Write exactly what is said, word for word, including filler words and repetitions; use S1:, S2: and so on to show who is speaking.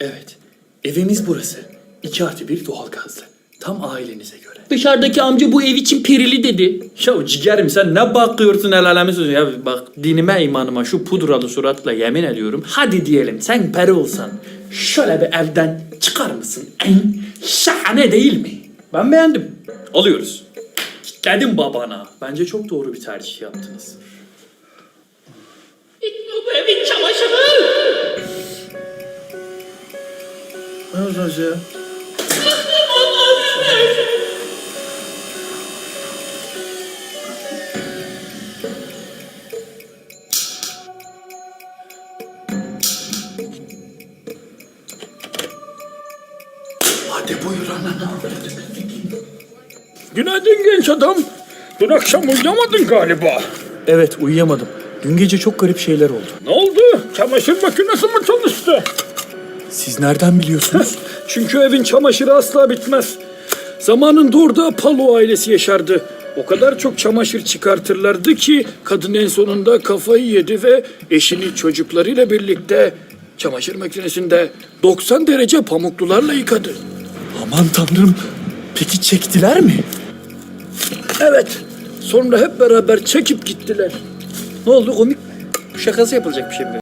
S1: Evet, evimiz burası. İki artı bir doğalgazlı. Tam ailenize göre.
S2: Dışarıdaki amca bu ev için perili dedi.
S1: Ya ciğerim sen ne bakıyorsun el alemi sözü ya bak dinime imanıma şu pudralı suratla yemin ediyorum. Hadi diyelim sen peri olsan şöyle bir evden çıkar mısın? En şahane değil mi? Ben beğendim. Alıyoruz. Kitledim babana. Bence çok doğru bir tercih yaptınız.
S2: Bu evin çamaşırı.
S1: Ne olacak ya? Hadi buyur anana.
S3: Günaydın genç adam. Dün akşam uyuyamadın galiba.
S1: Evet uyuyamadım. Dün gece çok garip şeyler oldu.
S3: Ne oldu? Çamaşır makinesi mi çalıştı?
S1: Siz nereden biliyorsunuz?
S3: Çünkü evin çamaşırı asla bitmez. Zamanında orada Palo ailesi yaşardı. O kadar çok çamaşır çıkartırlardı ki kadın en sonunda kafayı yedi ve eşini çocuklarıyla birlikte çamaşır makinesinde doksan derece pamuklularla yıkadı.
S1: Aman tanrım. Peki çektiler mi?
S3: Evet. Sonra hep beraber çekip gittiler.
S1: Ne oldu komik şakası yapılacak bir şey mi?